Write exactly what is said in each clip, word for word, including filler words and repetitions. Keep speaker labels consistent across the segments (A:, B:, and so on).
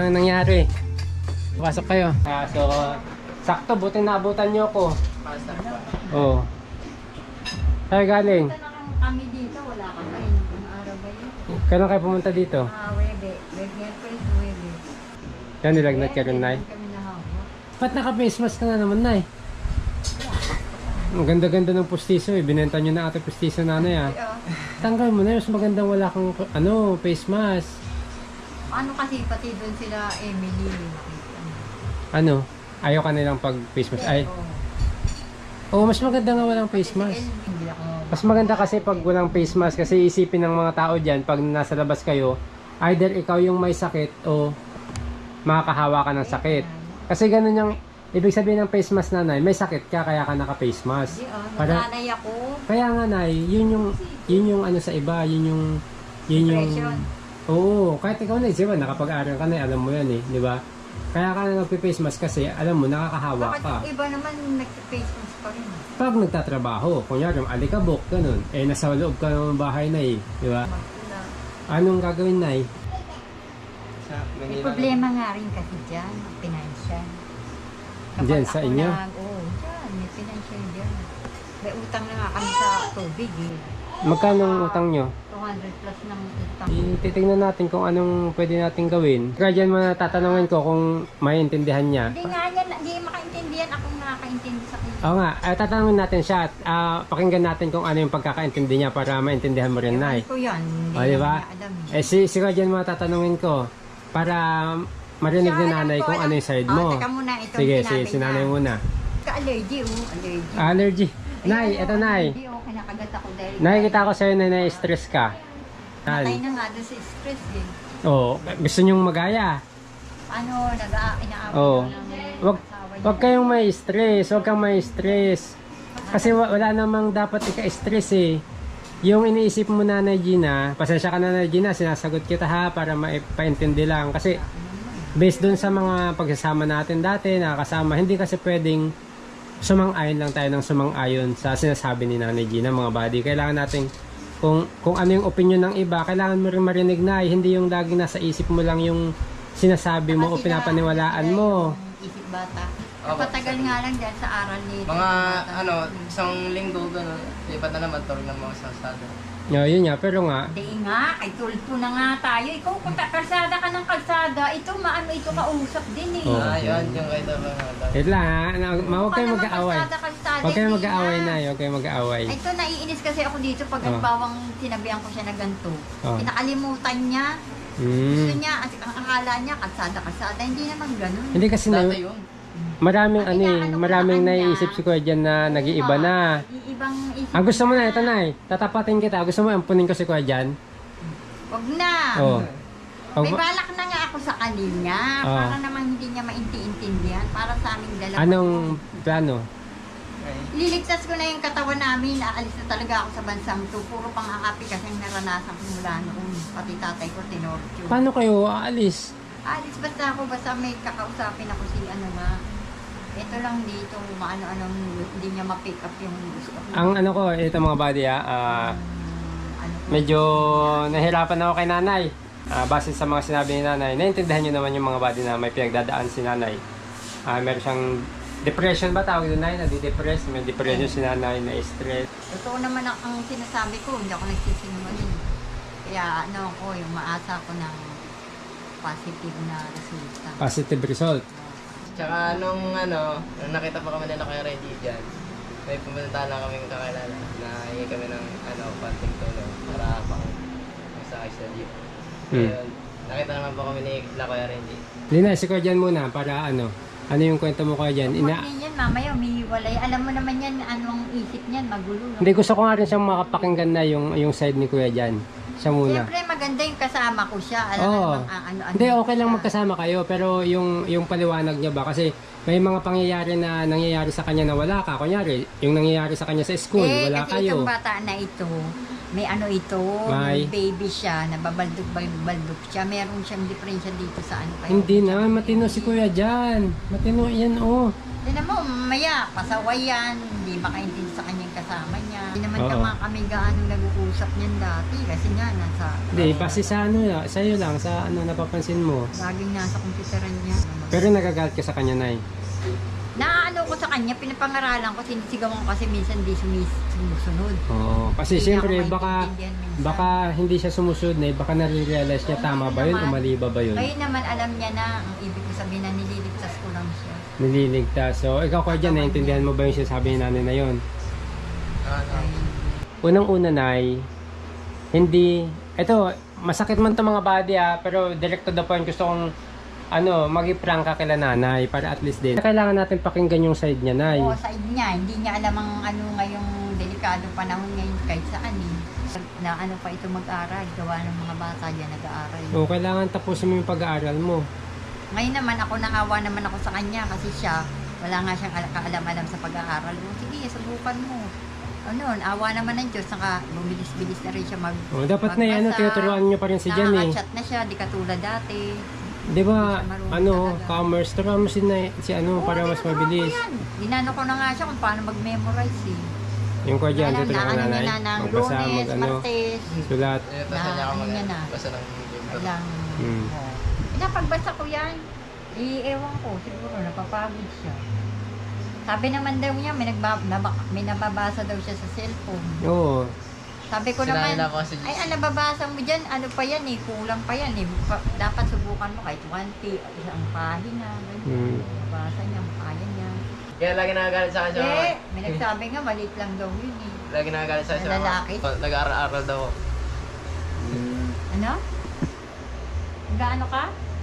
A: ang nangyari. Pasok kayo. Ah, so, sakto, buti naabutan nyo ako. Oo. Saan galing?
B: Punta na kami dito, wala kang kain. Ang araw ba yun?
A: Kailan kayo pumunta dito?
B: Ah, Webe. Webe, Webe.
A: Yan, nilagnat ka rin, Nay.
B: Kami nahawak.
A: Ba't naka-face mask ka na naman, Nay? Ang ganda-ganda ng pustiso eh. Binenta nyo na ate pustiso, nanay ah. Tanggal mo na, mas magandang wala kang ano, face mask.
B: Ano kasi pati doon sila Emily.
A: Ano? Ayaw ka nilang pag face mask? Ay,
B: Oo.
A: oh, mas maganda nga walang face mask.
B: Hindi ako.
A: Mas maganda kasi pag walang face mask kasi isipin ng mga tao dyan pag nasa labas kayo, either ikaw yung may sakit o makakahawa ka ng sakit. Kasi ganun yung ibig sabihin ng face mask, nanay, may sakit ka kaya ka naka-face mask.
B: Hindi ah,
A: Para,
B: nanay ako.
A: kaya nga, nay, yun yung, yun yung ano sa iba, yun yung, yun yung,
B: Depression.
A: oo, kahit ikaw na, diba, nakapag-aral ka na, alam mo yan eh, di ba? Kaya ka na nagpe-face mask kasi, alam mo, nakakahawa
B: Bakit
A: ka.
B: yung iba naman nag-face mask pa rin?
A: Pag nagtatrabaho, kunyari, yung alikabok, ganun, eh, nasa loob ka ng bahay na eh, di ba?
B: Magpula.
A: Anong gagawin, nay?
B: May problema nga rin kasi dyan, financial.
A: Dyan, sa
B: ako
A: inyo?
B: Nag, oo, dyan, may financial dyan. May utang na nga kami sa tubig eh.
A: Magkano ang utang nyo?
B: two hundred plus ng utang.
A: Titignan natin kung anong pwede natin gawin. Kaya dyan mo na tatanungin ko kung maintindihan niya.
B: Hindi nga yan, hindi makaintindihan akong nakakaintindi sa kanya.
A: Oo nga, eh, tatanungin natin siya at ah, pakinggan natin kung ano yung pagkakaintindi niya para maintindihan mo rin, Nay.
B: Ewan ko yan, hindi
A: O, di ba?
B: niya alam eh.
A: Eh, si, si Dyan mo tatanungin ko para marinig
B: Siya,
A: ni
B: alam
A: nanay
B: ko,
A: kung
B: alam-
A: ano yung side
B: Oh,
A: mo.
B: teka muna, ito
A: Sige,
B: yung
A: si,
B: sinabi
A: si nanay
B: niya.
A: muna.
B: Ka-allergy, oh, allergy.
A: Allergy. Nay,
B: Ayun,
A: eto
B: oh,
A: Nay.
B: allergy, oh, kinakagat ako dahil.
A: Nakikita ko sa'yo na na-stress ka.
B: Matay na nga doon sa stress eh.
A: Oo, gusto nyong magaya.
B: Ano, nag-inaaway
A: Oo.
B: na ng
A: Wag,
B: asawa niya.
A: wag kayong may stress, wag kang may stress. Kasi wa- wala namang dapat ika-stress eh. Yung iniisip mo, Nanay Gina, pasensya ka, Nanay Gina, sinasagot kita ha para maipaintindi lang. Kasi based dun sa mga pagsasama natin dati, nakakasama, hindi kasi pwedeng sumang-ayon lang tayo ng sumang-ayon sa sinasabi ni Nanay Gina, mga buddy. Kailangan natin, kung, kung ano yung opinion ng iba, kailangan mo rin marinig na, eh. Hindi yung laging nasa isip mo lang yung sinasabi mo o
B: Kasi
A: pinapaniwalaan
B: sila
A: mo.
B: yung Isip bata.
C: Opo.
B: Napatagal nga lang dahil sa aral nito.
C: Mga
B: bata.
C: ano, isang linggo gano'n, lipat na naman tulog ng mga sasada.
A: No, yun nga, pero nga,
B: Hindi nga, ay tulpo na nga tayo. Ikaw kung ta- kalsada ka ng kalsada, ito maano ito kausap din eh.
A: Oo.
C: Ah, yun, yung kay Taba nga.
A: wait lang ha, na, ma- huwag kayong
B: Huwag ka naman
A: mag-aaway.
B: kalsada, kalsada,
A: Huwag kayong
B: hindi
A: mag-aaway
B: nga.
A: na, huwag kayong mag-aaway.
B: Ay, ito, naiinis kasi ako dito pag
A: Oh.
B: halimbawa sinabihan ko siya na ganito.
A: Oh.
B: Pinakalimutan niya. Gusto
A: Hmm.
B: niya, at ang akala niya, kalsada-kalsada. Hindi naman ganun.
A: Hindi kasi na,
C: Dati yun.
A: maraming
B: Ang
A: ano eh,
B: inaano ko
A: maraming
B: sa kanya,
A: naiisip si Kuya dyan na nag-iiba na.
B: Ibang isip
A: Ang gusto mo na,
B: niya.
A: ito na eh, tatapatin kita, gusto mo ampunin ko si Kuya dyan?
B: Wag na.
A: Oo. Oh.
B: May balak na nga ako sa kanya.
A: Oh.
B: Para naman hindi niya maintindihan. Para sa aming dalawa.
A: Anong plano?
B: Liligtas ko na yung katawan namin. Aalis na talaga ako sa bansang to. Puro pang-aapi kasi ang naranasan ko mula noon. Pati tatay ko, tinorture.
A: Paano kayo aalis?
B: Alis basta ako, basta may kakausapin ako si ano nga. Ito lang dito, maano-anong hindi niya ma-pick up yung gusto ko.
A: Ang ano ko, ito mga buddy ah, ah,
B: ano ko.
A: medyo nahirapan ako kay nanay. Ah, base sa mga sinabi ni nanay, naintindihan nyo naman yung mga buddy na may pinagdadaan si nanay. Ah, meron siyang depression ba tawag doon, Nay? Nadi-depress, may depression si nanay, na stress.
B: Totoo naman ang, ang sinasabi ko, hindi ako nagsisinungaling. Kaya ano ko, yung maasa ko ng positive na resulta.
A: Positive result.
C: Tsaka nung ano, nung nakita pa kami nila kay Reggie dyan, may pumunta lang kami kakilala na hingi kami ng ano, konting tulong para pang sa study.
A: Hmm.
C: Ayun, nakita naman po kami ni La Kuya Reggie.
A: Lina, si Kuya dyan muna para ano, ano yung kwento mo Kuya dyan? Ina
B: Huwag yan, mamaya umihiwalay. Alam mo naman yan, anong isip niyan, magulo.
A: Hindi, gusto ko nga rin siyang makapakinggan na yung, yung side ni Kuya dyan. Siya muna.
B: Siyempre, maganda yung kasama ko siya. Alam mo
A: Oo.
B: namang ang ano-ano.
A: Hindi, okay lang
B: siya.
A: magkasama kayo, pero yung, yung paliwanag niya ba? Kasi may mga pangyayari na nangyayari sa kanya na wala ka. Kunyari, yung nangyayari sa kanya sa school,
B: Eh,
A: wala
B: kasi
A: kayo.
B: itong bata na ito, may ano ito,
A: May?
B: may baby siya, nababaldog-baldog siya. Meron siyang diferensya dito sa ano. Kaya
A: Hindi naman, matino si Kuya dyan. Matino yan, oh.
B: Tignan mo, maya, pasaway yan, hindi makaintindi sa kanyang kasama niya. Hindi naman
A: Oo.
B: kama kami gaano nag-uusap niyan dati kasi nga nasa
A: Hindi, base sa ano, sa'yo lang, sa ano napapansin mo.
B: laging nasa computeran niya.
A: Pero nagagalit ka sa kanya, Nay.
B: Naano ko sa kanya, pinapangaralan ko, sinisigawan ko kasi minsan di sumis, sumusunod.
A: Oo, kasi
B: Hindi
A: siyempre
B: ako
A: baka
B: maintindihan minsan.
A: baka hindi siya sumusunod na, baka nare-realize niya
B: Oo,
A: tama ba
B: ngayon
A: yun o
B: naman.
A: mali ba ba yun?
B: Ngayon naman alam niya na ang ibig ko sabihin na nililigtas ko lang siya.
A: Nililigtas. So, ikaw ka dyan, naiintindihan mo ba yung sinasabi ni nanay na yun?
C: Ano?
A: Unang-una, Nay, hindi, eto, masakit man to mga body ah, pero direct to the point, gusto kong ano, mag-prank ka kila nanay para at least din. Kailangan natin pakinggan yung side niya, Nay.
B: Oo, side niya. Hindi niya alam ang ano ngayong delikado panahon ngayon kahit saan eh. Na ano pa ito mag-aral. Gawa ng mga bata dyan nag-aaral.
A: O, kailangan tapusin mo yung pag-aaral mo.
B: Ngayon naman ako nangawa naman ako sa kanya kasi siya wala nga siyang al- kaalam-alam sa pag-aaral. O, sige, subukan mo. Ano, awa naman ng Diyos. Saka bumilis-bilis na rin siya mag
A: O, dapat na ano,
B: magbasa.
A: tinuturuan niyo pa rin si Jan eh.
B: Nakaka-chat na siya, di katulad dati.
A: Di ba,
B: Hindi siya marunong
A: ano,
B: talaga.
A: commerce, turuan mo si, Nay, si ano,
B: Oo,
A: para mas
B: tinuturuan
A: mabilis.
B: ko yan. Dinano ko na nga siya kung paano mag-memorize eh.
A: Yung kwa dyan,
B: Alam
A: tuturuan
B: na
A: ka
B: ano
A: nanay.
B: niya na ng
A: Magbasa,
B: Lunes,
A: mag ano,
B: Martes,
A: sulat.
C: Eh, tapos
B: Na-
C: niya ako
B: ano
C: mag-
B: niya na?
C: basta ng libro.
B: alang,
A: Hmm.
B: oh. Pinapagbasa ko yan. Eh, ewan ko, siguro napapagod siya. Sabi naman daw niya, may, nagba, naba, may nababasa daw siya sa cellphone.
A: Oo.
B: Sabi ko
C: Sinabi
B: naman,
C: na ako si
B: ay, ang nababasa mo dyan, ano pa yan eh, kulang pa yan eh. Pa, dapat subukan mo kahit twenty, isang pahina, ganyan.
A: Hmm.
B: Nababasa niya, kaya niya.
C: Kaya lagi nagagalit sa akin siya.
B: Eh, may nagsabi nga, maliit lang daw yun eh.
C: Lagi nagagalit sa akin
B: Na
C: siya.
B: lalaki?
C: Nag-aaral daw ako.
B: Ano? Gaano ka?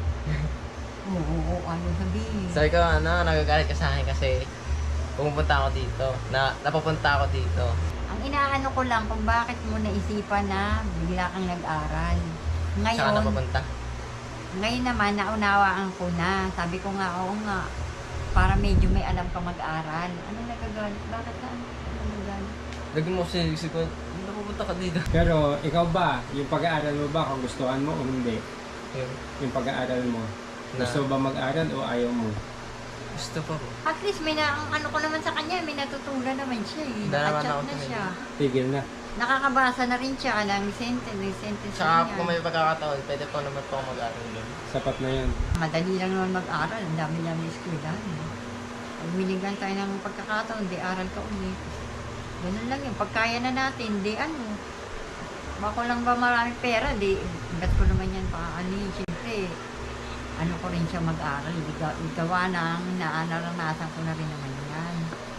B: Oo, oo, ano sabihin?
C: Sabi ko, ano, nagagalit ka sa akin kasi pumupunta ako dito. Na, napapunta ako dito.
B: Ang inaano ko lang kung bakit mo naisipan na bigla kang nag-aral.
C: Saan ka
B: Ngayon,
C: napapunta?
B: ngayon naman naunawaan ko na. Sabi ko nga, oo nga, para medyo may alam ka mag-aral. Ano nagagalit? Bakit ka? Ano nagagalit?
C: Lagi mo sinisig ko, napapunta ka dito.
A: Pero, ikaw ba, yung pag-aaral mo ba, kung gustuhan mo o hindi?
C: Yun.
A: Yung pag-aaral mo.
C: Na,
A: Gusto ba mag-aral o ayaw mo?
C: gusto ko.
B: At least may na, ang ano ko naman sa kanya, may natutunan naman siya eh.
C: Dalawa na
B: Nakachat
C: ako
B: na
C: tumingin.
B: siya.
A: Tigil na.
B: Nakakabasa na rin siya ng sentence, ng sentence
C: Tsaka
B: niya.
C: kung may pagkakataon, pwede pa naman po ako mag-aaral doon.
A: Sapat na yun.
B: Madali lang naman mag-aral. Ang dami-dami eskwelahan. Pag binigyan tayo ng pagkakataon, di aral ka ulit. Ganun lang yun. Pag kaya na natin, di ano. Bako lang ba maraming pera, di, ba't ko naman yan pa, ano yun, siyempre, ano ko rin siya mag-aral. Di ga- di gawa ng naanaranasan ko na rin naman yan.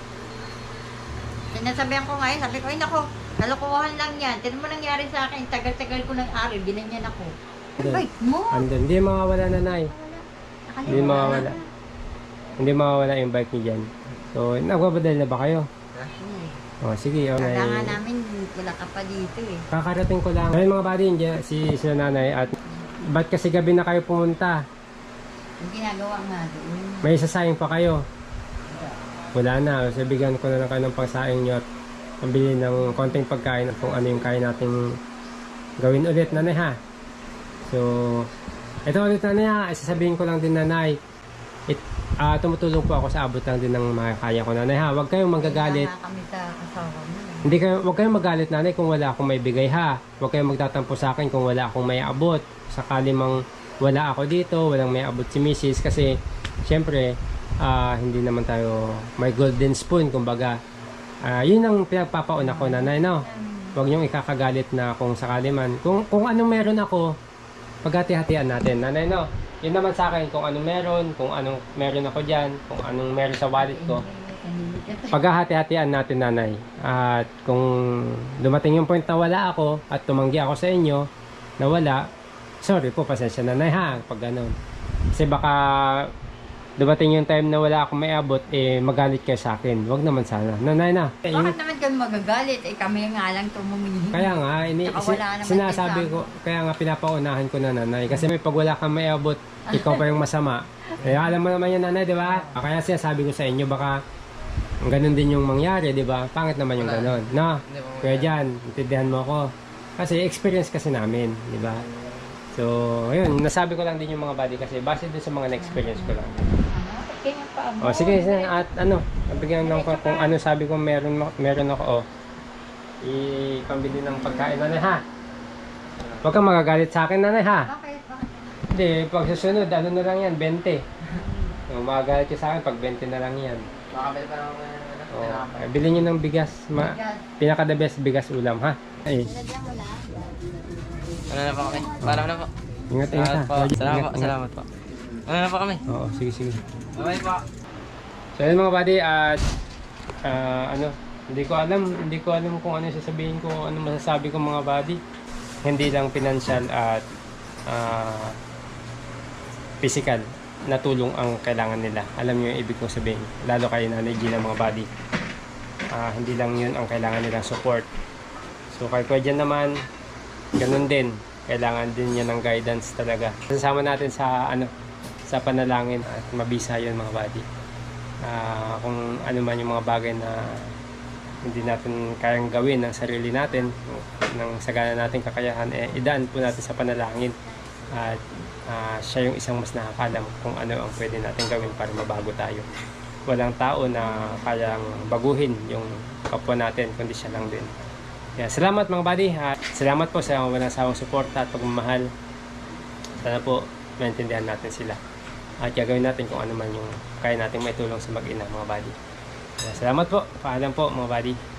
B: Sinasabihan ko ngayon, sabi ko, ay nako, nalokohan lang yan. Tinan mo nangyari sa akin, tagal-tagal ko ng aral, binanyan ako. Ay, mo!
A: Andun. Hindi mawawala na, Nay. Hindi mawawala. Hindi mawawala yung bike niya dyan. So, nagbabadal na ba kayo? O, sige. O, Nay.
B: Kailangan namin, wala ka pa dito eh.
A: Kakarating ko lang. Ayun mga buddy, dyan, si, si nanay. At ba't kasi gabi na kayo pumunta?
B: Yung ginagawa nga doon.
A: May sasayang pa kayo. Wala na. So, bigyan ko na lang kayo ng pangsaing nyo at pambili ng konting pagkain at kung ano yung kaya nating gawin ulit, nanay ha. So, ito ulit nanay ha. Sasabihin ko lang din nanay. It, ah tumutulong po ako sa abot lang din ng makakaya ko nanay ha. Huwag kayong manggagalit.
B: Kaya nga kami sa asawa mo. eh.
A: Hindi kayo, huwag kayong magalit nanay kung wala akong may bigay ha. Huwag kayong magtatampo sa akin kung wala akong may abot. Sakali mang wala ako dito, walang may abot si Missus kasi syempre ah, hindi naman tayo may golden spoon kumbaga. Ah, yun ang pinagpapauna ko nanay no. Huwag niyong ikakagalit na kung sakali man. Kung, kung anong meron ako, paghati-hatian natin nanay no. Yun naman sa akin kung anong meron, kung anong meron ako dyan, kung anong meron sa wallet ko. Paghahati-hatian natin nanay. At kung dumating yung point na wala ako at tumanggi ako sa inyo na wala, sorry po, pasensya nanay ha, pag ganun. Kasi baka dumating yung time na wala akong may abot, eh magalit kayo sa akin. Wag naman sana. Nanay na. Eh, yung-
B: Bakit naman kami magagalit? Eh kami nga lang tumumihin.
A: kaya nga, ini,
B: Tsaka
A: si-
B: wala naman
A: sinasabi
B: kayo
A: ko, kaya nga pinapaunahan ko na nanay. Kasi may pag wala kang may abot, ikaw pa yung masama. Eh, alam mo naman yan nanay, di ba? Kaya sinasabi ko sa inyo, baka ganun din yung mangyari, di ba? Pangit naman yung
C: Wala.
A: ganun. No?
C: Hindi mo
A: Kaya dyan, intindihan mo ako. Kasi experience kasi namin, di ba? So, ayun, nasabi ko lang din yung mga body kasi base din sa mga na-experience ko lang.
B: Ano? Ganyan pa mo.
A: O, sige, sige, at ano, nabigyan lang ko kung ano sabi ko meron, meron ako. O, ipambili ng pagkain nanay ha. Huwag kang magagalit sa akin nanay ha.
B: Bakit? Bakit?
A: Hindi, pag susunod, ano na lang yan, twenty. Kung magagalit ka sa akin, pag twenty na lang yan.
C: Makakabili pa naman ng ano.
A: Oh,
C: tinapay.
A: eh, bilhin nyo ng bigas. Ma
B: Bigas.
A: pinaka the best bigas ulam ha. Ay,
B: Lalagyan mo na.
C: Ano na po kami? Paano na po?
A: ingat ingat ha.
C: Salamat po.
A: Lagi,
C: Salamat
A: ingat,
C: po.
A: ingat.
C: Salamat po. Ano na po kami?
A: Oo, sige sige.
C: Bye po.
A: So yun mga buddy, at ah, ano, hindi ko alam, hindi ko alam kung ano yung sasabihin ko, ano masasabi ko mga buddy. Hindi lang financial at ah, physical na tulong ang kailangan nila. Alam niyo yung ibig kong sabihin, lalo kayo Nanay Gina mga buddy. Ah, hindi lang yun ang kailangan nilang support. So kay Kuya Jan naman, ganun din. Kailangan din niya ng guidance talaga. Sasama natin sa ano, sa panalangin at mabisa yun mga buddy. Ah, kung ano man yung mga bagay na hindi natin kayang gawin ng sarili natin, ng sagana natin kakayahan, eh, idaan po natin sa panalangin. At ah, siya yung isang mas nakakalam kung ano ang pwede natin gawin para mabago tayo. Walang tao na kayang baguhin yung kapwa natin, kundi siya lang din. Kaya salamat mga buddy, at salamat po sa walang sawang suporta at pagmamahal. Sana po maintindihan natin sila at gagawin natin kung ano man yung kaya nating maitulong sa mag-ina mga buddy. Kaya salamat po, paalam po mga buddy.